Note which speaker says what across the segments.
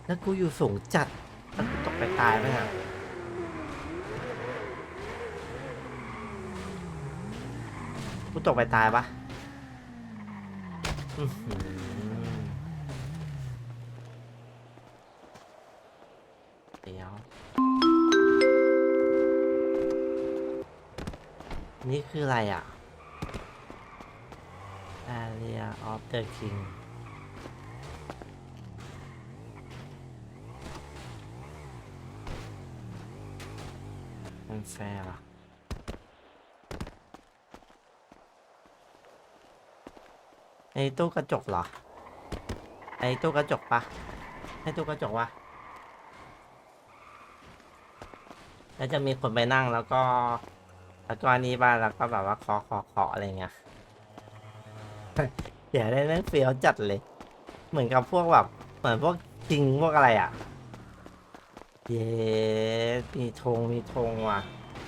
Speaker 1: แล้วกูอยู่สูงจัดแล้วกูตกไปตายไปอ่ะกูตกไปตายปะอื้อหือเดี๋ยวนี่คืออะไรอ่ะ Area of the King มันแฟร์เหรอไอ้ตู้กระจกเหรอไอ้ตู้กระจกปะให้ตู้กระจกวะแล้วจะมีคนไปนั่งแล้วก็อันนี้บ้างแล้วก็แบบว่าเคาะอะไรเงี้ยเดี๋ยวได้แม่งเฟี้ยวจัดเลยเหมือนกับพวกแบบเหมือนพวกจริงพวกอะไรอ่ะเย้มีธงว่ะ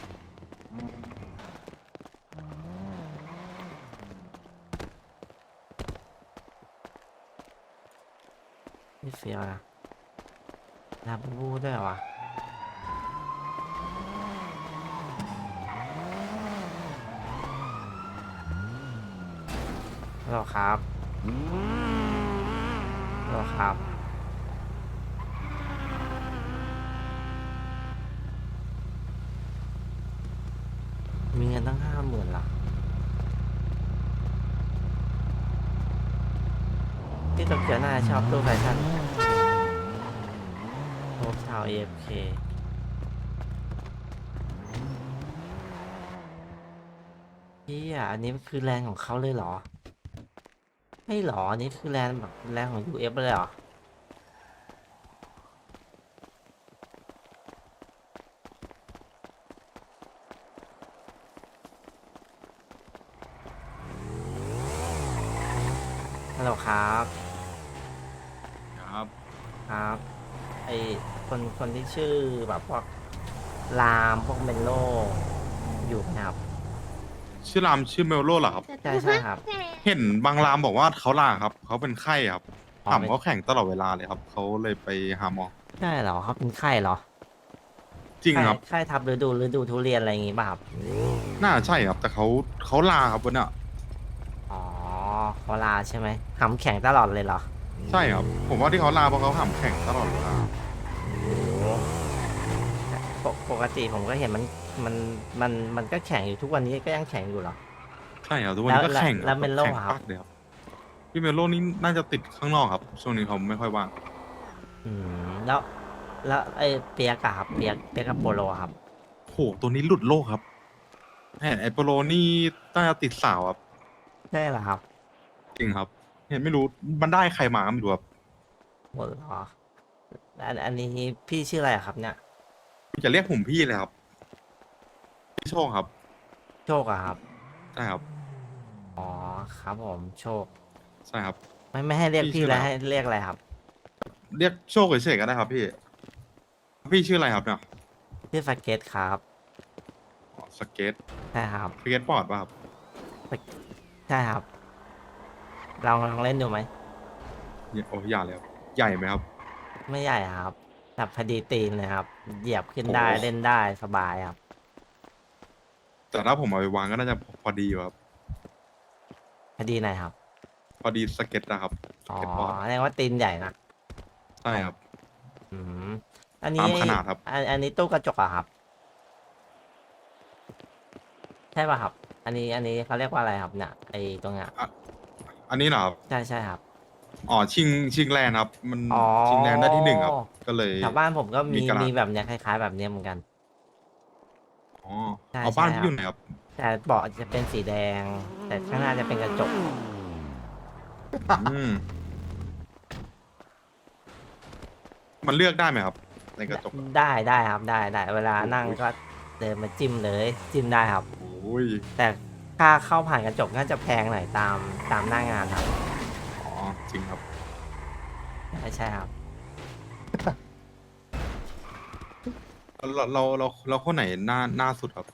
Speaker 1: ไม่เฟี้ยวนะลาบูบูด้วยว่ะฮัลโหลครับฮัลโหลครับมีเงินตั้ง50,000ละที่โตเกียวน่าจะชอบตู้แฟชั่นโฮปทาวน์ AFK พี่อ่ะอันนี้คือแลนด์ของเขาเลยเหรอไม่หรออันนี้คือแลนด์แบบแลนด์ของ UF เลยเหรอฮัลโหลครับ
Speaker 2: ครับ
Speaker 1: ครับไอคนที่ชื่อแบบพวกรามพวกเมนโลอยู่ไหมครับ
Speaker 2: ชื่อรามชื่อเมลโลเหรอครับ
Speaker 1: ใช่ครับ
Speaker 2: เห็นบางรามบอกว่าเขาลาครับเขาเป็นไข้ครับ
Speaker 1: อ๋อเป็น
Speaker 2: ถามเขาแข่งตลอดเวลาเลยครับเขาเลยไปหาหมอ
Speaker 1: ใช่เหรอเขาเป็นไข้เหรอไข้
Speaker 2: จริงครับ
Speaker 1: ไข้ทับฤดูทุเรียนอะไรอย่างงี้ป่ะครับ
Speaker 2: น่าใช่ครับแต่เขาลาครับวันน่ะ
Speaker 1: อ๋อเขาลาใช่ไหมหำแข็งตลอดเลยเหรอ
Speaker 2: ใช่ครับผมว่าที่เขาลาเพราะเขาหามแข่งตลอดเวลา
Speaker 1: โอ้ปกติผมก็เห็นมันมันก็แข็งอยู่ทุกวันนี้ก็ยังแข็งอยู่เหรอ
Speaker 2: ใช่ครับทุกวัน
Speaker 1: แล้ว
Speaker 2: นี้ก็แข่งครับ
Speaker 1: แล้วเมนโล
Speaker 2: แบบแข่ง
Speaker 1: อะครับ
Speaker 2: ปักเลยครับพี่เมลโลนี่น่าจะติดข้างนอกครับช่วงนี้เขาไม่ค่อยว่าง
Speaker 1: อืมแล้วไอ้เปียกอะครับเปียกกับโปโลอะครับ
Speaker 2: โหตัวนี้หลุดโลกครับเห็นไอโปโลนี่น่าจะติดสาวครับ
Speaker 1: ใช่เหรอครับ
Speaker 2: จริงครับเห็นไม่รู้มันได้ใครมาก็ไม่รู้ครับ
Speaker 1: หมดเหรออันนี้พี่ชื่ออะไรอะครับเนี่ย
Speaker 2: จะเรียกผมพี่เลยครับพี่โชคครับ
Speaker 1: โชคอะครับ
Speaker 2: ใช่ครับ
Speaker 1: อ๋อครับผมโชค
Speaker 2: ใช่ครับ
Speaker 1: ไม่ให้เรียก
Speaker 2: พี่
Speaker 1: พี่แล้วให้
Speaker 2: ชื่ออะไรครับ
Speaker 1: เรียกอะไรครับ
Speaker 2: เรียกโชคเฉยๆก็ได้ครับพี่พี่ชื่ออะไรครับเนี่ย
Speaker 1: ชื่อสเก็ตครับ
Speaker 2: อ๋อสเก็ต
Speaker 1: ใช่ครับ
Speaker 2: สเก็ตบอร์ดป่ะครับ
Speaker 1: สเก็ตใช่ครับลองเล่นดูไหม
Speaker 2: โอ้อย่าเลยครับใหญ่ไหมครับ
Speaker 1: ไม่ใหญ่ครับแบบพอดีตีนเลยครับเหยียบขึ้น
Speaker 2: โอ้
Speaker 1: ได้เล่นได้สบายครับ
Speaker 2: แต่ถ้าผมเอาไปวางก็น่าจะพอดีอยู่ครับ
Speaker 1: พอดีหน่อยครับ
Speaker 2: พอดีสเก็ตนะครับส
Speaker 1: อ๋อ
Speaker 2: เก็ตบอร์ด
Speaker 1: แสดงว่าตีนใหญ่นะของ
Speaker 2: ใช่ครับ
Speaker 1: อืมอันนี้
Speaker 2: ตามขนาดครับ
Speaker 1: อันนี้ตู้กระจกอะครับ ใช่ป่ะครับอันนี้เขาเรียกว่าอะไรครับเนี่ยไอตรงเนี้ย
Speaker 2: อ่ะอันนี้เหรอครับ
Speaker 1: ใช่ครับ
Speaker 2: อ๋อชิงแลนด์ครับมัน
Speaker 1: อ๋อ
Speaker 2: ชิงแลนด์ได้ที่หนึ่งครับก็เลย
Speaker 1: แถวบ้านผมก็มี
Speaker 2: มีกระดาษ
Speaker 1: แบบเนี้ยคล้ายๆแบบเนี้ยเหมือนกัน
Speaker 2: อ๋อ
Speaker 1: ใช่
Speaker 2: เอาบ้านพี่
Speaker 1: ใช่ครับ
Speaker 2: อยู่ไหนครับ
Speaker 1: แต่เบาะจะเป็นสีแดงแต่ข้างหน้าจะเป็นกระจก
Speaker 2: อืมมันเลือกได้ไหมครับในกระจกอะ
Speaker 1: ได้ครับได้เวลานั่งก็เดินมาจิ้มเลยจิ้มได้ครับ
Speaker 2: โอ้ย
Speaker 1: แต่ค่าเข้าผ่านกระจกน่าจะแพงหน่อยตามหน้างานครับ
Speaker 2: อ๋อจริงครับ
Speaker 1: ใช่ครับ
Speaker 2: เราคนไหนหน้าสุดครับ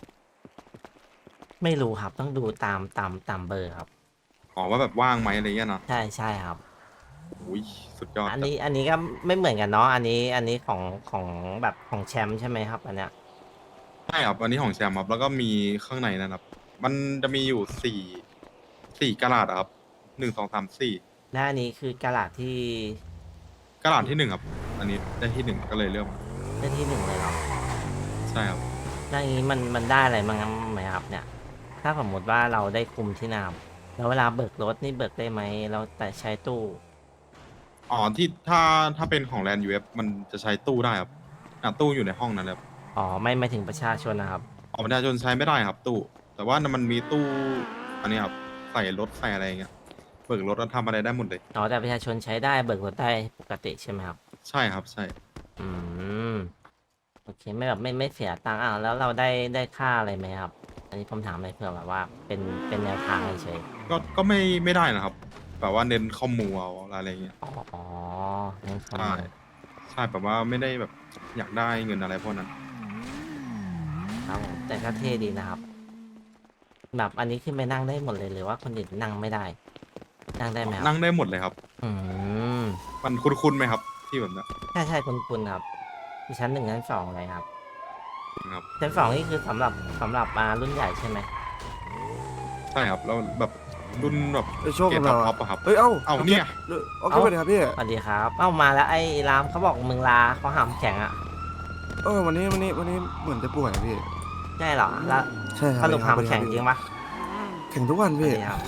Speaker 1: ไม่รู้ครับต้องดูตามเบอร์ครับ
Speaker 2: อ๋อว่าแบบว่างไหมอะไรเงี้ยเนาะ
Speaker 1: ใช่ครับ
Speaker 2: โอ้ยสุดยอด
Speaker 1: อัน
Speaker 2: ครับ
Speaker 1: นี้ก็ไม่เหมือนกันเนาะอันนี้ของแบบของแชมป์ใช่ไหมครับอันเนี้ย
Speaker 2: ใช่ครับอันนี้ของแชมป์ครับแล้วก็มีข้างในนะครับ มันจะมีอยู่สี่กะลาดอะครับ1 2 3 4
Speaker 1: และอันนี้คือกะลาที่
Speaker 2: กะลาดที่ 1ครับ อันนี้ได้ที่ 1ก็เลยเลือกมา
Speaker 1: ได้ที่หนึ่งเลยเหรอ
Speaker 2: ใช่ครับ
Speaker 1: แล้วอย่างนี้มันได้อะไรบ้างไหมครับเนี่ย ถ้าสมมติว่าเราได้คุมที่นามแล้วเวลาเบิกรถนี่เบิกได้ไหมเราแต่ใช้ตู้
Speaker 2: อ๋อที่ถ้าเป็นของแลนด์ยูเอฟมันจะใช้ตู้ได้ครับตู้อยู่ในห้องนั้นเลยครับ
Speaker 1: อ๋อไม่ถึงประชาชนนะครับ
Speaker 2: ประชาชนใช้ไม่ได้ครับตู้ แต่ว่ามันมีตู้อันนี้ครับใส่รถใส่อะไรอย่างเงี้ยเบิกรถแล้วทำอะไรได้หมดเลย
Speaker 1: อ๋อแต่ประชาชนใช้ได้เบิกรถได้ปกติใช่ไหมครับ
Speaker 2: ใช่ครับใช่
Speaker 1: อืมโอเคไม่แบบไม่เสียตังค์แล้วเราได้ค่าอะไรไหมครับ อันนี้ผมถามเลยเผื่อแบบว่าเป็นแนวทางเฉย
Speaker 2: ก็ไม่ได้นะครับแบบว่าเน้นข้อมูลเอาอะไรอย่างเงี้ย
Speaker 1: ๆอ๋องั้นค
Speaker 2: ใช่
Speaker 1: รับ
Speaker 2: ใช่แบบว่าไม่ได้แบบอยากได้เงินอะไรพวกนั้น
Speaker 1: ครับผมแต่ก็เท่ดีนะครับ แบบอันนี้ขึ้นไปนั่งได้หมดเลยหรือว่าคนอื่นนั่งไม่ได้ นั่งได้ไหมครั
Speaker 2: นั่
Speaker 1: บ
Speaker 2: งได้หมดเลยครับ
Speaker 1: อืม
Speaker 2: มันคุ้นๆไหมครับ ที่แบบเนี้ย
Speaker 1: ใช่คุณครับมีชั้นหนึ่งชั้นสองเลยครับ
Speaker 2: ครับ
Speaker 1: ชั้นสองนี่คือสำหรับรุ่นใหญ่ใช่ไหม
Speaker 2: ใช่ครับแล้วแบบรุ่นแบบ
Speaker 3: ไอ้โชค
Speaker 2: เก
Speaker 3: กั
Speaker 2: ร
Speaker 3: บ
Speaker 2: ด
Speaker 3: เรา
Speaker 2: ท็อ
Speaker 3: อะ
Speaker 2: ปอะครับ
Speaker 3: เอ้ย เอ้า
Speaker 2: เอาเนี่ย
Speaker 3: เอาขึ้นไปเลยครับพี่
Speaker 1: สวัสดีครับ เอ้ามาแล้วไอ้รามเขาบอกมึงลาเขาหามแข็งอ่ะ
Speaker 3: วันนี้เหมือนจะป่วยอะพี่
Speaker 1: ใช่เหรอ แล้ว
Speaker 3: ใช่ค
Speaker 1: ส
Speaker 3: รับ
Speaker 1: รุปหามแข็งจริงปะ
Speaker 3: แข่งทุกวัน
Speaker 1: สวั
Speaker 3: พี่
Speaker 1: สดีครับ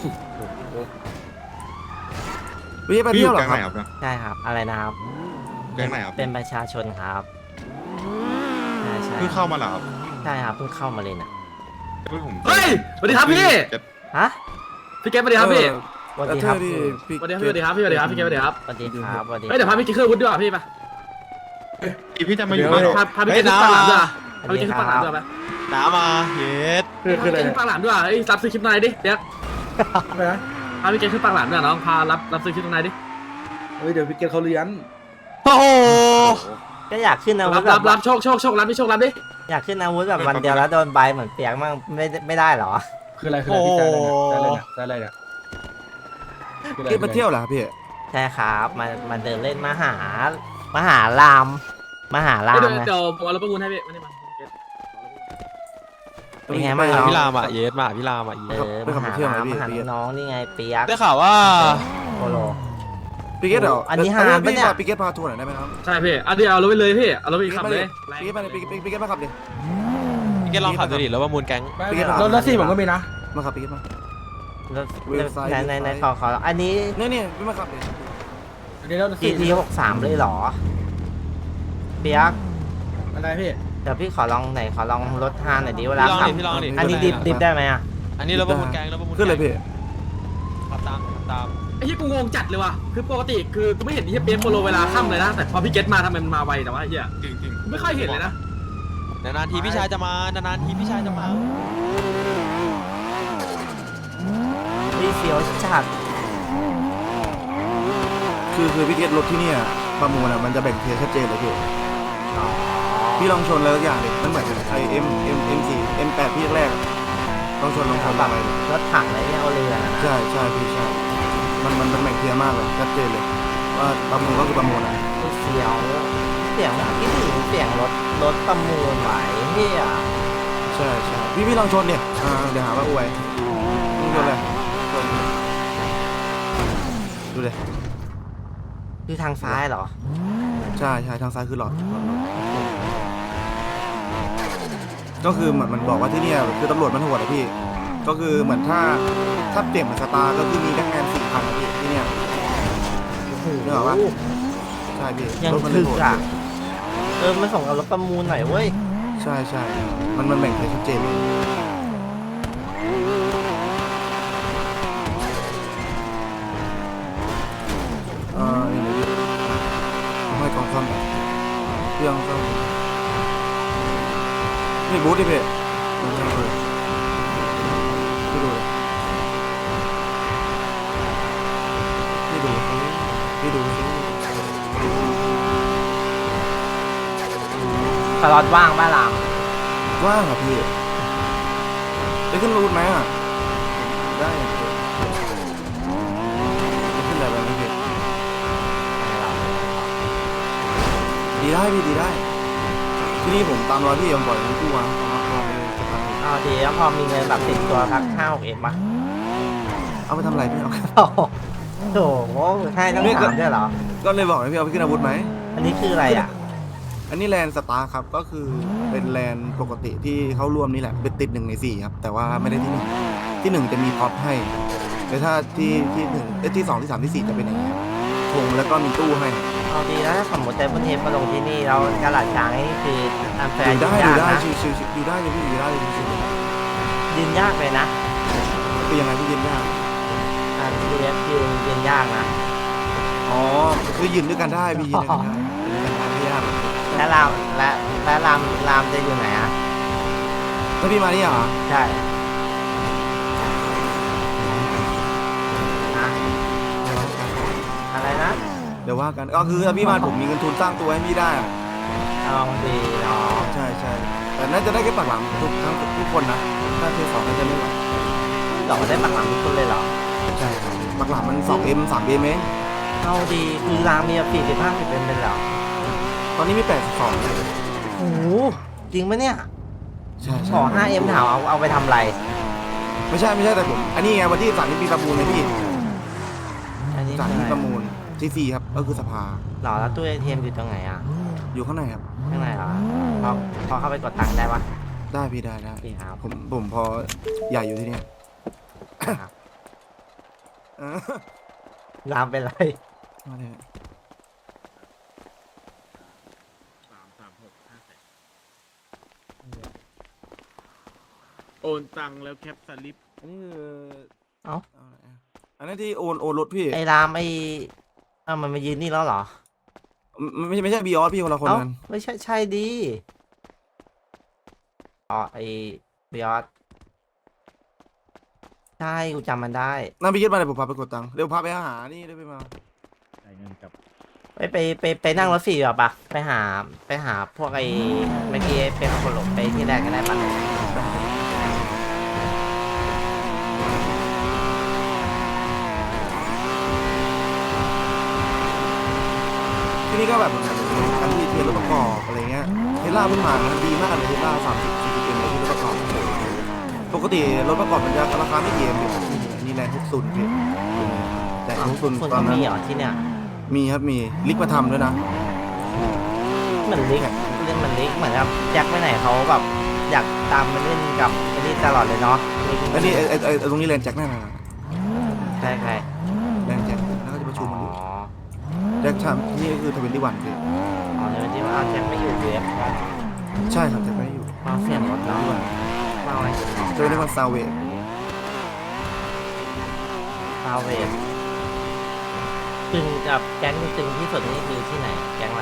Speaker 3: พี่ไป
Speaker 2: พี่อ
Speaker 3: เที่ยว
Speaker 2: ยู่
Speaker 3: เหร
Speaker 2: แก๊
Speaker 3: อง ค
Speaker 2: ไห
Speaker 3: รั
Speaker 2: น
Speaker 3: บ
Speaker 2: ครับเนี่ย
Speaker 1: ใช่ครับ อะไรนะครับ
Speaker 2: แก๊งไหนครับ
Speaker 1: เป็นประชาชนครับ ใช่
Speaker 2: เพิ่งเข้ามาเหรอครับ
Speaker 1: ใช่ครับเพิ่งเข้ามาเลยน่ะ
Speaker 2: เพิ่งผม
Speaker 4: เฮ้ยสวัสดีครับพี่
Speaker 2: เก็ต
Speaker 1: ฮะ
Speaker 4: พี่เกมสวัสดีครับพี่
Speaker 1: สวัสดีครับ
Speaker 3: พี่
Speaker 4: สวัสดีครับพี่สวัสดีครับพี่สวัสดีครับพี่เกมสวัสดีครับ
Speaker 1: สวัสดีครับสวัสดี
Speaker 4: เฮ้ยเดี๋ยวพาพี่กินเครื่องวุฒิด้วยพี่ปะ
Speaker 2: พี่จะมาอยู่
Speaker 3: เดี๋
Speaker 2: บ้าน
Speaker 3: ยว
Speaker 2: เหรอ
Speaker 4: พาพี่กินเครื่องปังหลามด้วยพาพี่กินเครื่องปังหลามด้วยปะ
Speaker 5: น้ำมาเย็ด
Speaker 4: พาพี่กินเครื่องปังหลามด้วยเฮ้ยรับซื้อคลิปนายดิเดี๋ยวพาพี่กินเครื่องปังหลามด้วยน้องพารับซื้อคลิปนายดิ
Speaker 3: เฮ้ยเดี๋ยวพี่เกตเขาเลี้ยง
Speaker 5: โอ้โห
Speaker 1: ก็อยากขึ้นอาวุ
Speaker 4: รั
Speaker 1: ธ
Speaker 4: บ
Speaker 1: แบ
Speaker 4: รับบ รับโชครับพี่โชครับดิ
Speaker 1: อยากขึ้นอาวุธแบบวันเดียวแล้วโดนใบเหมือนเปียกมั่งไม่ได้เหรอ
Speaker 6: คืออะไรพี่แซ่อะไรเนี่ยแซ่อะไรเนี่ย
Speaker 3: พี่ไปเที่ยวเหรอครับพี่
Speaker 1: ใช่ครับมาเดินเล่นมหารามมหาราม
Speaker 4: เดี๋ยว
Speaker 1: ไง
Speaker 4: เดี๋ยวผมเอารถประมูลให้พี่มานี่มา
Speaker 1: เป็นไงบ้าง
Speaker 3: ไป
Speaker 1: น้อง
Speaker 5: พี่รามอ่ะเย็ดมาพี่รามอ่ะ
Speaker 1: เออ
Speaker 3: ไป
Speaker 1: ม
Speaker 3: ขับ
Speaker 1: หาร
Speaker 3: เที่ยวไหม
Speaker 1: าม
Speaker 3: พี่
Speaker 1: มหาน้องนี่ไงเปียก
Speaker 5: ได้ข่าวว่า
Speaker 1: โปโล
Speaker 3: พี่เกตเดี๋ยว
Speaker 1: อันนี้หาปะเนี่ย
Speaker 3: พี่เกตพาทัวร์หน่อยได้ไหมครับ
Speaker 4: ใช่พี่เอาดิเอารถไปเลยพี่เอารถไปขับเลย
Speaker 3: พี่เกตไปเลยพี่เกตมาขับดิ
Speaker 5: พี่แกลองขับดูดิแล้วว่ามูลแก๊ง
Speaker 6: รถสี่ผมก็มีนะ
Speaker 3: มาขับพี่เกตมา
Speaker 1: รถ
Speaker 3: เวลไซด์
Speaker 1: ในขออันนี้
Speaker 3: เนี่ยพี่มาขับดิ
Speaker 6: อันนี้รถ
Speaker 1: GT 63เลยเหรอเปียก
Speaker 6: อะไรพี่
Speaker 1: เดี๋ยวพี่ขอลองรถฮานหน่อยดิเวลา
Speaker 5: พี่ลอง
Speaker 1: ขับ
Speaker 5: ดิพี่ลองดิ
Speaker 1: อันนี้ดิบได้ไหมอ่ะ
Speaker 5: อันนี้แล้วว่ามูลแก๊งแล้วว่ามูล
Speaker 3: ขึ้นเลยพี่
Speaker 5: ขับตาม
Speaker 4: ไอ้ที่กูงงจัดเลยว่ะคือปกติคือกูไม่เห็นที่เปียกโปโลเวลาค่ำเลยนะแต่พอพี่เกตมาทำไมมันมาไวแต่ว่าไอ้เหี้ย
Speaker 2: จริงๆ
Speaker 4: กูไม่ค่อยเห็นเลยนะ
Speaker 5: นานๆทีพี่ชายจะมานานๆทีพี่ชายจะมา
Speaker 1: พี่เฟียวจัด
Speaker 3: คือพี่เกตรถที่เนี่ยประมูลอะมันจะแบ่งเทียร์ชัดเจนเลยพี่
Speaker 1: อ๋อ
Speaker 3: พี่ลองชนเลยทุกอย่างดิมันเหมือนไอM4 M8 พี่แรกๆอะลองชน
Speaker 1: แบบ
Speaker 3: ไป
Speaker 1: รถถังอะไรเนี่ยเอาเรือนะ
Speaker 3: ใช่พี่ใช่ มันเป็นแบ่งเทียร์มากเลยชัดเจนเลย ว่าประมูลก็คือประมูลอะ
Speaker 1: พี่เฟียวเสียงคิดถึงเสียงรถประมูลไหวเฮีย
Speaker 3: ใช่พี่ลองชนเนี่ยเดี๋ยวหาว่าอวยลองชนเลยชนดูเลย
Speaker 1: คือทางซ้ายเหรอ
Speaker 3: ใช่ทางซ้ายคือหลอดก็คือเหมือนมันบอกว่าที่เนี่ยคือตำรวจมันโหดอะพี่ ก็คือเหมือนถ้าเปลี่ยนเป็นสตาร์ก็คือมีพนักงาน4,000อะพี่ที่เนี่ยนึกออกปะใช่พี่
Speaker 1: ยัง
Speaker 3: รถมัน
Speaker 1: ถึ
Speaker 3: โห
Speaker 1: ก
Speaker 3: ด
Speaker 1: อ่ะมาส่งกับรถประมูลหน่อยเว้ย
Speaker 3: ใช่มันแบ่งให้ชัดเจนเลยนี่เลยพี่ให้กองซ่อมหน่อยเครื่องซ่อมนี่บูธดิพี่ดูเลยพี่ดูสิ
Speaker 1: สล็อตว่างบ้าลาม
Speaker 3: ว่างอ่ะพี่ไปขึ้นรูทไหมอ่ะได้อะพี่ไปขึ้นอะไรแบบนี้พี่ดีได้พี่ดีได้ ที่นี่ผมตามรอยพี่ผมปล่อยทั้งคู่วะเอาไปสตาร์ท
Speaker 1: เอาดีแล้วพอมีเงินแบบติดตัวสัก5-6 เอ็มปะ
Speaker 3: เอาไปทำอะไรพี่เอา
Speaker 1: โอ้โหโถ่ให้ต้องถามด้วยเหรอ
Speaker 3: ก็เลยบอกให้พี่เอาไปขึ้นอาวุธไหม
Speaker 1: อันนี้คืออะไรอ่ะ
Speaker 3: อันนี้แลนสตาร์ครับก็คือเป็นแลนปกติที่เขาร่วมนี่แหละเป็นติด1 ใน 4ครับแต่ว่าไม่ได้ที่1ที่1จะมีพ็อปให้แต่ถ้าที่1ที่2ที่3ที่4จะเป็นอย่างนี้ครับธงแล้วก็มีตู้ให้
Speaker 1: เอาดีแล้วถ้าสมมติแต่บนเทปมาลงที่นี่เรากระหลัดช้างนี่คืออันแฟ
Speaker 3: อ
Speaker 1: ร์
Speaker 3: ยู่ได้
Speaker 1: ยืน
Speaker 3: อยู่
Speaker 1: ยาก
Speaker 3: ได้
Speaker 1: นะ
Speaker 3: ชิวๆอยู่ได้เลยพี่อยู่ได้เลยชิว
Speaker 1: ยืนยากเลยนะ
Speaker 3: ๆคือยังไงพี่ยืนได้
Speaker 1: อันเรียกยืนยากนะ
Speaker 3: อ๋อคือยืนด้วยกันได้พี่ยืนด้วยกันได้ยืนด้วยกันได้ไม่ยาก
Speaker 1: และรามจะอยู่ไหนอ่ะ
Speaker 3: ถ้าพี่มานี่เหรอ
Speaker 1: ใช่อะอะไรนะ
Speaker 3: เดี๋ยวว่ากันก็คือถ้าพี่มาผมมีเงินทุนสร้างตัวให้พี่ได้อะ
Speaker 1: เอาดีเนาะ
Speaker 3: ใช่ใช่แต่น่าจะได้แค่ปากหลังทุกคนนะถ้าเทสองน่าจะไม่ไหว
Speaker 1: หลอกได้ปักหลังทุกคนเลยเหรอ
Speaker 3: ใช่ครับปากหลังมัน2M 3Mเอง
Speaker 1: เอาดีคือรามมี40-50เป็นเหรอ
Speaker 3: ตอนนี้มี82เลย
Speaker 1: โอ้โหจริงปะเนี่ย
Speaker 3: ใช่
Speaker 1: ข
Speaker 3: ใช่
Speaker 1: อ 5M ถามเอาไปทำอะไร
Speaker 3: ไม่ใช่แต่ผมอันนี้ไงวันที่3ที่ปีประมูลเลยพี่
Speaker 1: อันนี้
Speaker 3: 3
Speaker 1: คือ
Speaker 3: ที่
Speaker 1: อะไร
Speaker 3: ประมูลที่4ครับก็คือสภา
Speaker 1: หรอแล้วตู้ ATM อยู่ตรงไหนอ่ะ
Speaker 3: อยู่ข้างในครับ
Speaker 1: ข้างในเหรอพอเข้าไปกดตังค์ได้ปะ
Speaker 3: ได้พี่ได้
Speaker 1: โอเคครับ
Speaker 3: ผมพอใหญ่อยู่ที่เนี่ย
Speaker 1: ครับ
Speaker 3: เออ
Speaker 1: รามเป็นไร
Speaker 3: มาเลย
Speaker 7: โอนตังค์แล้วแคปสลิป
Speaker 3: อันนี้คือ
Speaker 1: เอ้า
Speaker 3: อะไรอะอันนี้ที่โอนรถพี่
Speaker 1: ไอ้รามมันมายืนนี่แล้วเหรอ
Speaker 3: ไม่ใช่บีออสพี่คนละคน
Speaker 1: เอ้า
Speaker 3: กัน
Speaker 1: ไม่ใช่ดีอ๋อไอ้บิออสใช่กูจำมันได้
Speaker 3: นั่นพี่คิดมาเดี๋ยวผมพาไปกดตังค์เดี๋ยวพาไปหานี่เดี๋ยวไปมา
Speaker 1: ไปนั่งรถ4แบบปะไปหาพวกไอ้เมื่อกี้เป็นคนหลงไปที่แรกก็ได้ปะ
Speaker 3: ที่นี่ก็แบบเหมือนกันการที่เทรถประกอบอะไรเงี้ยเทสลาเพิ่งมานะดีมากเลยเทสลา30-40เป็นเลยที่รถประกอบปกติรถประกอบมันจะราคาไม่เยอะพี่นี่แรงทุกซุนพี่แต่ทุกซุน
Speaker 1: คน
Speaker 3: ตอ
Speaker 1: ก็
Speaker 3: นนั้น
Speaker 1: มีเหรอที่เนี่ย
Speaker 3: มีครับมีลิกมาทำด้วยนะ
Speaker 1: เหมือนลิกเล่นเหมือนลิกเหมือนกับแจ็คไปไหนเขาแบบอยากตามมาเล่นกับไอ้นี่ตลอดเลยเนาะ
Speaker 3: อันนี้ไอ้ตรงนี้แลนด์แจ็คแน่นอน
Speaker 1: ใช่ใคร
Speaker 3: แลนด์แจ็คแล้วก็จะประชุ
Speaker 1: อ๋
Speaker 3: ม
Speaker 1: อ
Speaker 3: มันอยู่แจ็คทำนี่ก็คือ21พี่
Speaker 1: อ๋อเดี๋ยวที่ว่าเอาแจ็คไม่อยู่เวฟ
Speaker 3: ใช่ครับแจ็คไม่ได้อยู่
Speaker 1: มาเสียงรถเนาะมาอะไร
Speaker 3: 21ซาวเวท
Speaker 1: ซาเวฟตึงกับแก๊งตึงที่สุดนี่คือที่ไหนแก๊งอะไร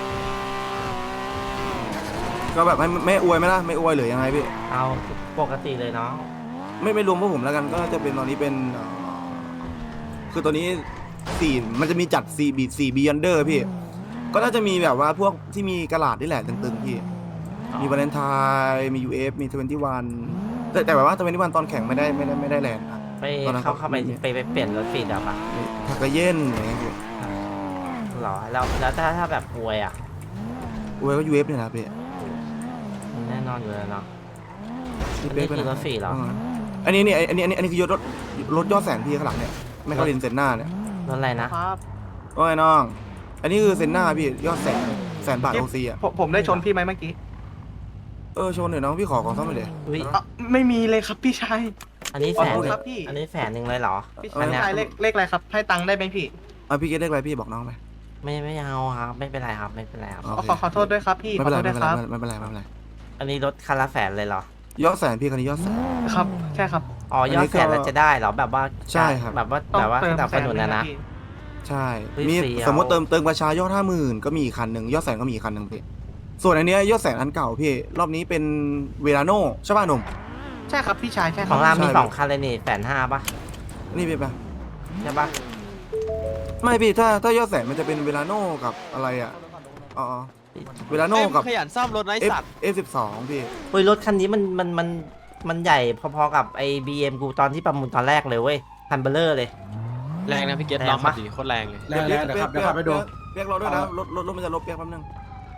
Speaker 3: ก็แบบไม่อวยไหมล่ะไม่อวยหรือยังไงพี่
Speaker 1: เอาปกติเลยเนาะ
Speaker 3: ไม่รวมพวกผมแล้วกันก็จะเป็นตอนนี้เป็นคือตัวนี้มันจะมีจัด4 Beyonder พี่ ก็น่าจะมีแบบว่าพวกที่มีกระดาษนี่แหละตึงๆพี่ มีวาเลนไทน์มี UF มี21แต่แบบว่า21ตอนแข่งไม่ได้แลนด์นะ
Speaker 1: ไป
Speaker 3: ตอนนั้น
Speaker 1: เข้าไปเปลี่ยนรถฟีดอะปะ
Speaker 3: ทักกะเย็นอย่างเงี้ยพี่
Speaker 1: หรอแล้วถ้าแบบอวยอะ
Speaker 3: อวยก็ UF เนี่ยนะพี่
Speaker 1: แน่นอนอยู่แล้วเนาะ
Speaker 3: UF
Speaker 1: นี่คือรถฟรีเหรอ
Speaker 3: อันนี้คืรถยอดแสนพี่ข้างหลังเนี่ยไม่เข้าเรียนเซนหน้าเนี่ย
Speaker 1: รถอะไรนะ
Speaker 3: โอ้ยน้อง อันนี้คือเซนหน้าพี่ยอดแสนบาทโอซีอ่ะ
Speaker 8: ผมได้ชนพี่ไหมเมื่อกี้
Speaker 3: ชนหน่อยน้องพี่ขอของซ่อมหน่อยเดี๋ยว
Speaker 1: อุ๊ย
Speaker 8: ไม่มีเลยครับพี่ชาย
Speaker 1: อันนี้
Speaker 8: ขอ
Speaker 1: แสน
Speaker 8: โทษ
Speaker 1: หนึ่ง
Speaker 8: ครับพี่
Speaker 1: อันนี้แสนหนึ่งเลยเหรอ
Speaker 8: พี่
Speaker 1: อันเนี้ย
Speaker 8: ชายเลขอะไรครับ ให้ตังค์ได้ไหมพี่
Speaker 3: พี่เกตเลขอะไรพี่บอกน้องไป
Speaker 1: ไม่เอาครับไม่เป็นไรครับไม่เป็นไรครับ
Speaker 3: โอเค
Speaker 8: ขอโทษด้วยครับพี่
Speaker 3: ไม่
Speaker 8: ขอ
Speaker 3: เป็นไร
Speaker 8: โทษ
Speaker 3: ไม่
Speaker 8: ด้
Speaker 3: เป็
Speaker 8: วน ย
Speaker 3: ไร
Speaker 8: ครับ
Speaker 3: ไม่เป็นไร
Speaker 1: อันนี้รถคันละแสนเลยเหรอย
Speaker 3: อดแสนพี่คันนี้ยอดแสน
Speaker 8: ครับ ใช่ครับ
Speaker 1: อ๋อยอดแสนแล้วจะได้เหรอแบบว่า
Speaker 3: ใช่ครับ
Speaker 1: แบบว่า
Speaker 8: ต้อง
Speaker 1: แบบว่า
Speaker 8: เติ
Speaker 1: ส
Speaker 8: ม
Speaker 1: นับ
Speaker 8: แส
Speaker 1: ส
Speaker 8: น
Speaker 1: นุน
Speaker 8: หง
Speaker 1: นะนะ
Speaker 8: พี่
Speaker 3: ใช่
Speaker 1: เฮ้ย
Speaker 3: มี
Speaker 1: ฟรีเอา
Speaker 3: สมมติเติมประชายอด50,000ก็มีอีกคันหนึ่งยอดแสนก็มีอีกคันหนึ่งพี่ส่วนอันเนี้ยยอดแสนอันเก่าพี่รอบนี้เป็นเวลาโน่ใช่ป่ะหนุ่ม
Speaker 8: ใช่ครับพี่ชาย ใช่ค
Speaker 1: ข
Speaker 8: รั
Speaker 1: อบ งรามมี
Speaker 3: ใช่
Speaker 1: 2 คันเลยนี่150,000ป่ะ
Speaker 3: นี่พี่ป่ะ
Speaker 1: ใช่ป่ะ
Speaker 3: ไม่พี่ถ้ายอดแสนมันจะเป็นเวลาโน่กับอะไรอ่ะอ๋อเวลาโน่กับ
Speaker 5: ขยันซ่อมรถนะไอสัตว์
Speaker 3: F12 พี่
Speaker 1: เฮ้ยรถคันนี้มันใหญ่พอๆกับไอ้ BM กูตอนที่ประมูลตอนแรกเลยเว้ยคันเบลเลอร์เลย
Speaker 5: แรงนะพี่เกต
Speaker 1: แรง
Speaker 5: ลองขับ
Speaker 1: ปะ
Speaker 5: ดิโคตรแรงเลย
Speaker 6: แล้วเดี๋ยวขับไปดู
Speaker 3: เปียกรอด้วยนะรถมันจะลบเปียกแป๊บนึง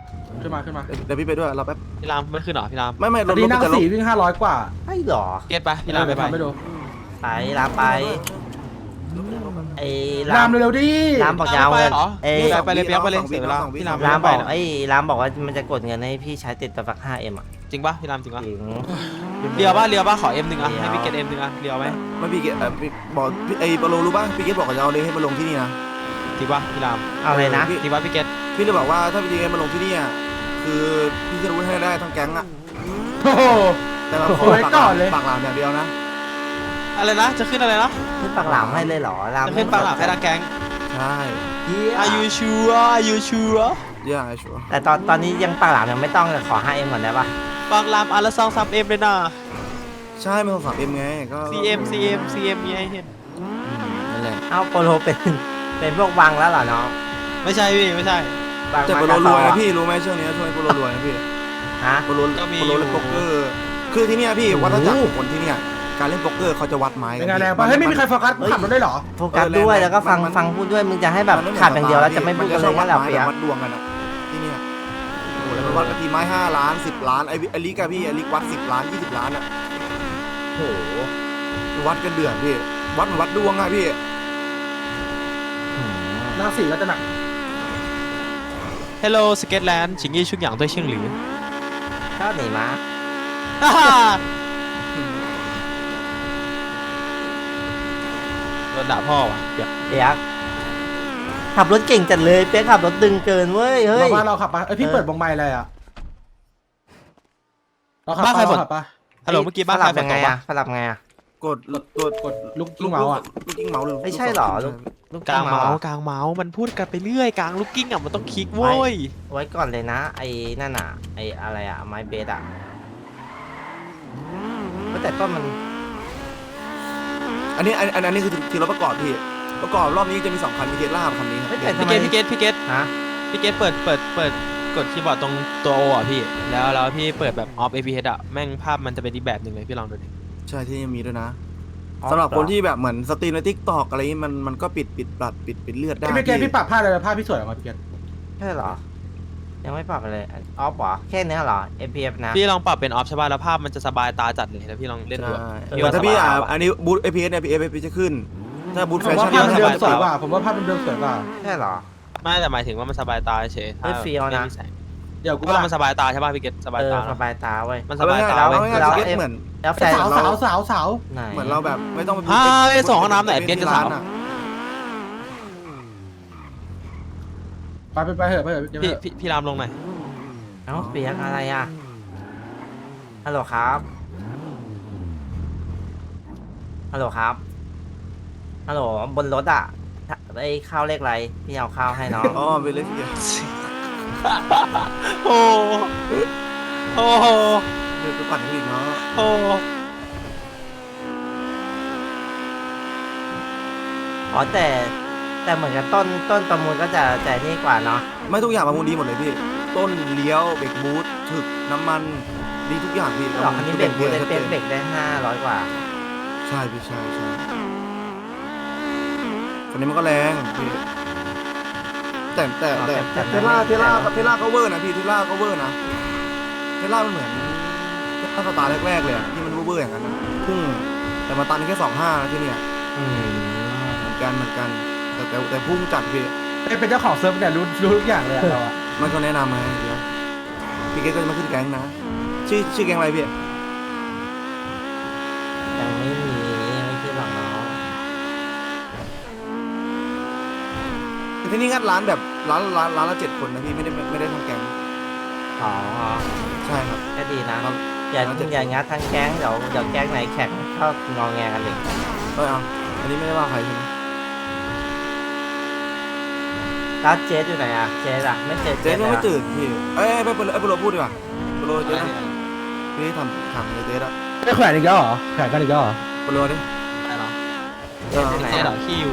Speaker 6: ขึ้นมาขึ้นมา
Speaker 3: เดี๋ยวพี่ไปด้วยรอแป๊บ
Speaker 5: พี่รามไม่ขึ้นเหรอพี่ราม
Speaker 3: ไม่รถ
Speaker 6: ดีนั่ง
Speaker 3: จะล
Speaker 6: สี่
Speaker 3: บ
Speaker 6: วิ่ง500 กว่า
Speaker 1: ไอ้หรอ
Speaker 5: เก็ตปะพี่รามไปไป
Speaker 6: ทำไม่ดู
Speaker 1: ไปลามไปไอ้
Speaker 6: รามเร็วๆดิ
Speaker 1: ลามบอกยาวเงิน
Speaker 5: เหรอ
Speaker 1: เอ้ย
Speaker 5: ไปเลยเปียกไปเลยเสียเวลาพี่ราม
Speaker 1: ลามบอก
Speaker 5: ไปนะ
Speaker 1: ไอ้ลามบอกว่ามันจะกดเงินให้พี่ใช้ติดตัวสัก 5M อ่ะ
Speaker 5: จริงปะพี่รามจริงปะ
Speaker 1: จริง
Speaker 5: เรียวปะขอ M หนึ่งอ่ะให้พี่เกต M หนึ่งอ่ะเรียวไหม
Speaker 3: ไม่พี่เกศบอกไอ้ปโลรู้ป่ะพี่เกศบอกกับเราเลยให้มาลงที่นี่นะ
Speaker 5: จริงปะพี่ราม
Speaker 1: เอาเลยนะ
Speaker 5: จริงปะพี่เกต
Speaker 3: พี่เลยบอกว่าถ้าพี่เกศมาลงที่นี่คือพี่จะรู้ให้ได้ทั้งแก๊งอ่ะ
Speaker 6: โอ้โห
Speaker 3: แต่เราขอ
Speaker 6: ไว้ก่อนเลย
Speaker 3: ปากหลามอย่างเดียวนะ
Speaker 5: อะไรนะจะขึ้นอะไรนะ
Speaker 1: ขึ้นปากหลามให้เลยเหรอลาม
Speaker 5: จะขึ้นปังหลังให้ทางแก๊ง
Speaker 3: ใช่
Speaker 5: Are you sure
Speaker 3: ย่าไอ้ชัวร์
Speaker 1: แต่ตอนนี้ยังปากหลามยังไม่ต้องเลยขอ 5M ก่อนได้ปะ
Speaker 5: ปังรามอันละ2-3M เลยนะ
Speaker 3: ใช่ไม่ต้อง3 M ไงก็
Speaker 5: CM มีให้เห็น
Speaker 3: นั่นแหละ
Speaker 1: เอ้าโปโลเป็นพวกวังแล้วเหรอน้อง
Speaker 5: ไม่ใช่พี่ไม่ใช่
Speaker 1: วัง
Speaker 3: แต่
Speaker 1: มา
Speaker 3: โปโล
Speaker 1: การ
Speaker 3: วย
Speaker 1: ซอ
Speaker 3: นะพี่รู้ไหมช่วงนี้ช่วงนี้โปโลรวยนะพี่
Speaker 1: ฮะ
Speaker 3: โปโลเล่นโป๊กเกอร์คือที่เนี่ยพี่วัฏจักรของคนที่เนี่ยการเล่นโป๊กเกอร์เขาจะวัดไม้
Speaker 6: เป็นไงแรงปะเฮ้ยไม่มีใครโฟกัสขับรถได้เหรอ
Speaker 1: โฟกัสด้วยแล้วก็ฟังพูดด้วยมึงจะให้แบบขาดอย่างเดียวแล้วจะไม่พูดกันเลยงั้นเหรอเปียก
Speaker 3: วัดดวงกันอะที่เนี่ยโอ้โหแล้วมันวัดกันทีไม้5 ล้าน10 ล้านไอ้ลิกอะพี่ไอ้ลิกวัด10 ล้าน20 ล้านอะ
Speaker 1: โอ้โห
Speaker 3: วัดกันเดือดพี่วัดเหมือนวัดดวงอะพี่
Speaker 6: นั่งสี่ก็จะหนัก
Speaker 5: Hello Sketland 请一出养对姓吕
Speaker 1: ชอบหนีม้า
Speaker 5: โดนด่าพ่อว่ะเดี๋ยว
Speaker 1: เปียกขับรถเก่งจัดเลยเปียกขับรถดึงเกินเว้ยเฮ้
Speaker 6: เรา
Speaker 1: ย
Speaker 6: ว่าเราขับปะเอ้ยพี่เปิดวงไม้อะไรอ่ะเราขับปะเราขับปะ
Speaker 5: ฮัลโหลเมื่อกี้บ้าน
Speaker 1: ส
Speaker 5: ใคร
Speaker 1: ลับ
Speaker 5: ฝ
Speaker 1: ยั
Speaker 5: น
Speaker 1: ง
Speaker 5: ต
Speaker 1: ไง
Speaker 5: กปะ
Speaker 1: อะสลับไงอะ
Speaker 3: กด
Speaker 6: กดลูกกิ้งเมาส์อ่ะ
Speaker 3: ลูกกิ้งเมาส์หรือ
Speaker 1: ไม่ใช่หรอลูก
Speaker 5: กลางเมาส์
Speaker 1: อะ
Speaker 5: กลางเมาส์มันพูดกันไปเรื่อยกลางลูกกิ้งอ่ะมันต้องคลิกโว้ย
Speaker 1: ไว้ก่อนเลยนะไอ้นั่นอะไอ้อะไรอะไม้เบสอะแต่ต้นมัน
Speaker 3: อันนี้คือทีรถประกอบพี่ประกอบรอบนี้จะมี2 คันมีเทสลาคันนี้ครับ
Speaker 1: เฮ้ยแต่ทำ
Speaker 5: พี่
Speaker 1: ไม
Speaker 5: เกต
Speaker 1: ฮะ
Speaker 5: พี่เกตเปิดกดคีย์บอร์ดตรงตัว O อ่ะพี่แล้วพี่เปิดแบบ off APS อ่ะแม่งภาพมันจะเป็นอีกแบบหนึ่งเลยพี่ลองดูดิ
Speaker 3: ใช่ที่ยังมีด้วยนะสำหรับคนที่แบบเหมือนสตรีมในทิกตอกอะไรนี้มันก็ปิดเลือดได้
Speaker 6: พี่เกศพี่ปรับผ้าเลยผ้าพี่สวยออกมาพี่เกศ
Speaker 1: ใช่เหรอ ยังไม่ปรับเลยออฟเหรอแค่เนี้ยเหรอ FPF นะ
Speaker 5: พี่ลองปรับเป็น off ใช่ป่ะแล้วภาพมันจะสบายตาจัดเลยแล้วพี่ลองเล่นดู
Speaker 3: ใช่
Speaker 5: อะ
Speaker 3: แต่ถ้าพี่
Speaker 5: สบายว่ะ
Speaker 3: อันนี้บูท APS เนี่ย APS จะขึ้น ถ้าบูท
Speaker 6: ผ
Speaker 3: แฟ
Speaker 6: มว่า
Speaker 3: ชั่น
Speaker 6: ภาพ
Speaker 5: พี่
Speaker 6: มัน
Speaker 5: ว่า
Speaker 6: เดิมสวยกว่าผมว่าภาพมันเดิมสวยกว่า
Speaker 1: ใช่เหรอ
Speaker 5: ไม่แต่หมายถึงว่ามันสบายตาเฉย
Speaker 1: เฮ้ยเฟี้ยวนะ
Speaker 5: ไม่มีแสง
Speaker 6: เดี๋ยวกู
Speaker 5: ก็มันสบายตาใช่ป่ะพี่เกตสบาย
Speaker 1: เออ
Speaker 5: ตา
Speaker 1: ส
Speaker 5: เนอะ
Speaker 1: บายตาเว้ย
Speaker 5: มันส
Speaker 3: เอา
Speaker 5: บาย
Speaker 3: ง่าย
Speaker 5: ตา
Speaker 3: ๆ
Speaker 5: เว้ย
Speaker 3: เอาง่าย
Speaker 1: แล้
Speaker 3: ๆ
Speaker 1: ว
Speaker 3: สเก็ตเหมือน
Speaker 1: แล้วแฟน
Speaker 6: สาว
Speaker 1: ไหน
Speaker 3: เหมือนเราแบบไม่ต้องไป
Speaker 5: ไปส่งห้องน้ำหน่อยเกตจะสาว
Speaker 6: ไปเถอะเดี๋ยว
Speaker 5: พี่รามลงหน่อย
Speaker 1: เอ้าเปียกอะไรอ่ะ ฮัลโหลครับ ฮัลโหลครับ ฮัลโหลบนรถอ่ะไอ้ข้าวเลขอะไร พี่เอาข้าวให้น้อง
Speaker 3: อ๋อไปเลยพี่
Speaker 5: โอ้โห
Speaker 3: เดี๋ยวไปปั่นให้อีกเนาะ
Speaker 5: โอ้
Speaker 1: อ๋อแต่เหมือนกับต้นประมูลก็จะนี่กว่าเนาะ
Speaker 3: ไม่ทุกอย่างประมูลดีหมดเลยพี่ ต้นเลี้ยวเบรกบูทถึกน้ำมันดีทุกอย่างพี่
Speaker 1: หรอกอันนี้เบรกบูทได้
Speaker 3: ชัด
Speaker 1: เบ
Speaker 3: จน
Speaker 1: รกได้500 กว่า
Speaker 3: ใช่พี่ใช่คันนี้มันก็แรงพี่แต่เทล่าก็เวอร์นะพี่เทล่าก็เวอร์นะเทล่ามันเหมือนถ้าสตาร์แรกๆเลยอะที่มันเวอร์อย่างนั้นนะพุ่งแต่มาตันแค่25นะที่เนี่ย
Speaker 1: อืม
Speaker 3: เหมือนกันแต่พุ่งจัดพี่
Speaker 6: เป็นเจ้าของเซิร์ฟเนี่ยรู้ทุกอย่างเลยเราอะ
Speaker 3: มันก็แนะนำไงเดี๋ยวพี่เกตก็จะมาขึ้นแก๊งนะชื่อแก๊งอะไรพี่
Speaker 1: ยังไม่ขึ้นหรอกน้อง
Speaker 3: ที่นี่งัดร้านแบบร้านละ7 คนนะพี่ไม่ได้ทำแก๊ง
Speaker 1: อ๋อ
Speaker 3: ใช่ครับ
Speaker 1: ก็ดีนะ
Speaker 3: ครับ
Speaker 1: อย่างงัดทั้งแก๊งเดี๋ยวแก๊งไหนแข่งชอบงอแงกันเลย
Speaker 3: เอาอันนี้ไม่ได้ว่าใครใช่ไหม
Speaker 1: แล้วเจสอยู่ไหนอ่ะเจสอ่ะไม่เจอ
Speaker 3: เจ๊ยังไม่
Speaker 1: เลยอะ
Speaker 3: ตื่นพี่ไปโปรพูดดีกว่าโปรเจ๊นะพี่ทำถามเลยเจ๊ละ
Speaker 6: ไม่แขวนอีกแล้วเหรอแขวนกันอีกแล้วเหรอ
Speaker 3: โปรดิ
Speaker 5: ได้เหรอ
Speaker 1: เจสอยู่ไหน
Speaker 5: เจ๊เหรอ
Speaker 1: อะ
Speaker 5: ขี้อยู่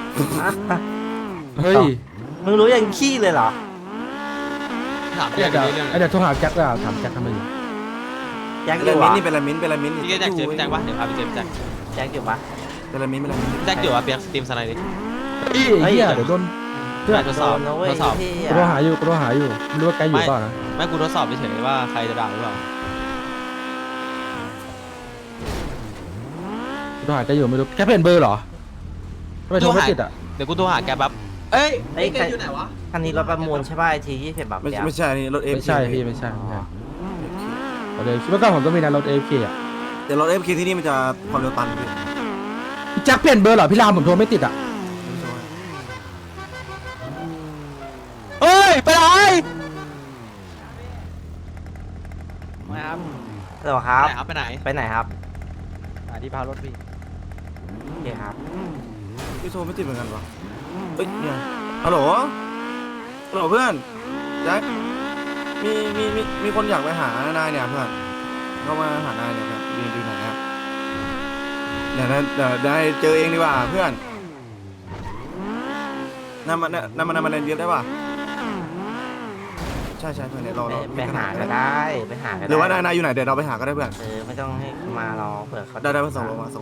Speaker 6: เฮ้ย
Speaker 1: มึงรู้ยังขี้เลยเหรอ
Speaker 5: ถาม
Speaker 6: เดี๋
Speaker 5: เรื่
Speaker 6: ย
Speaker 5: อ
Speaker 6: ว
Speaker 5: งเรื่อง
Speaker 6: เดี๋ยวโทรหาแจ็คเลยถามแจ็คทำไมอยู่
Speaker 1: แจ็คอ
Speaker 3: เป็น
Speaker 1: ยู่
Speaker 3: มิ้น
Speaker 1: อ่ะ
Speaker 3: นี่เป็นละมิ้นนี่
Speaker 5: พี่แจ็คเจอพี่แจ็คปะเดี๋ยวพาไปเจอพี่แจ็ค
Speaker 1: แจ็คอยู่ปะ
Speaker 3: เป็นละมิ้น
Speaker 5: พี่แจ็คอยู่อ่ะเปียกสตรีมสไนด์ดิ
Speaker 6: เฮ้ยเดี๋ยวโดนเพื่อน
Speaker 5: ทดสอบ
Speaker 1: โดนนะเว้ย
Speaker 5: ทดสอบ
Speaker 1: พี่
Speaker 6: กูโทรหาอยู่ไม่รู้ว่าแกอยู่เปล่านะ
Speaker 5: ไม่กูทดสอบเฉยๆว่าใครจะด่าหรือเปล่า
Speaker 6: กูโทรหาแกอยู่ไม่รู้แกเปลี่ยนเบอร์เหรอทำไมโทรไม่ติดอ่ะ
Speaker 5: เดี๋ยวกูโทรหาแกแบบเอ้ย
Speaker 1: เฮ้ยอยู่ไหนวะคันนี้รถประมูลใช่ป่ะไอที20แบบ
Speaker 3: ไม่
Speaker 1: เนี้ย
Speaker 3: ไม่ใช่นี่รถเอฟ
Speaker 6: ไม่ใช่พี่ไม่ใช่รถเอฟเมื่อก่อนผมก็มีนะรถเอฟเคอ่ะ
Speaker 3: แต่รถเอฟที่นี่มันจะความเร็วตันพี่
Speaker 6: พี่แจ็คเปลี่ยนเบอร์เหรอพี่รามผมโทรไม่ติดอ่ะ
Speaker 5: เอ้ยไปไหน
Speaker 1: เหรอครับ
Speaker 5: ไปไหน
Speaker 1: ไปไหนครับ
Speaker 5: ที่พารถพี่
Speaker 1: โอเคครับ
Speaker 3: พี่โทรไม่ติดเหมือนกันวะเอ้ยเนี่ยฮัลโหลฮัลโหลเพื่อนแจ็คมีคนอยากไปหานายเนี่ยเพื่อนเข้ามาหานายเนี่ยครับดูไหนครับเดี๋ยวได้เจอเองดีกว่าเพื่อนนำมาเรียนได้ป่ะใช่เพื่อนเนี่ยเรา
Speaker 1: ไปหาก็ได้ไปหาก็ได้
Speaker 3: หรือว่านายอยู่ไหนเดี๋ยวเราไปหาก็ได้เพื่อน
Speaker 1: ไม่ต้องให้มารอเผื่อเขา
Speaker 3: ได้มาส่งลงมา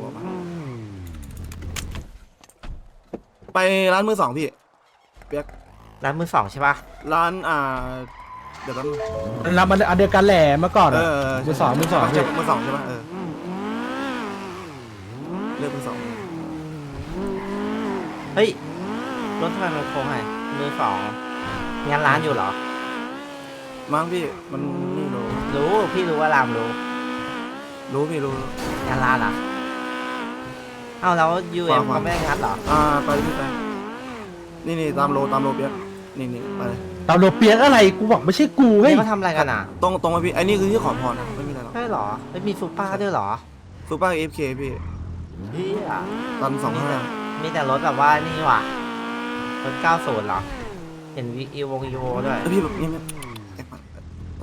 Speaker 3: ไปร้านมือสองพี่เปียก
Speaker 1: ร้านมือสองใช่ป่ะ
Speaker 3: ร้านเดี๋ยวกัน
Speaker 6: รับมันอันเดียวกันแหละเมื่อก่อน
Speaker 3: เอ
Speaker 6: อะ
Speaker 3: อ
Speaker 6: มือสองพี่
Speaker 3: มือสองใช่ปะเลือกมือสอง
Speaker 1: เฮ้ยรถทำไมมันโค้งไงมือสองงานร้านอยู่เหรอ
Speaker 3: มั้งพี่มันนี่รู้
Speaker 1: พี่รู้ว่ารามรู้
Speaker 3: พี่รู้
Speaker 1: งานร้านเหรอเอ้าแล้ว UM
Speaker 3: ขวา
Speaker 1: เขาไม่ได้งัดเหรอ
Speaker 3: ไปพี่ไปนี่ตามโลเปียกนี่ไปเลย
Speaker 6: ตามโลเปียกอะไรกูบอกไม่ใช่กูเฮ้ย
Speaker 1: นี่เขาทำอะไรกันอ่ะ
Speaker 3: ตรงไปพี่ไอ้นี่คือที่ขอพรนะไม่มีอะไรหรอก
Speaker 1: ใช่เหรอไม่มีซูเปอร์ด้วยเหรอ
Speaker 3: ซูเปอร์FK พี่
Speaker 1: พี่อ่ะ
Speaker 3: ตัน25
Speaker 1: มีแต่รถแบบว่านี่ว่ะรถ90เหรอเห็นวีวงอีโวด้วย
Speaker 3: แล้วพี่แบบนี่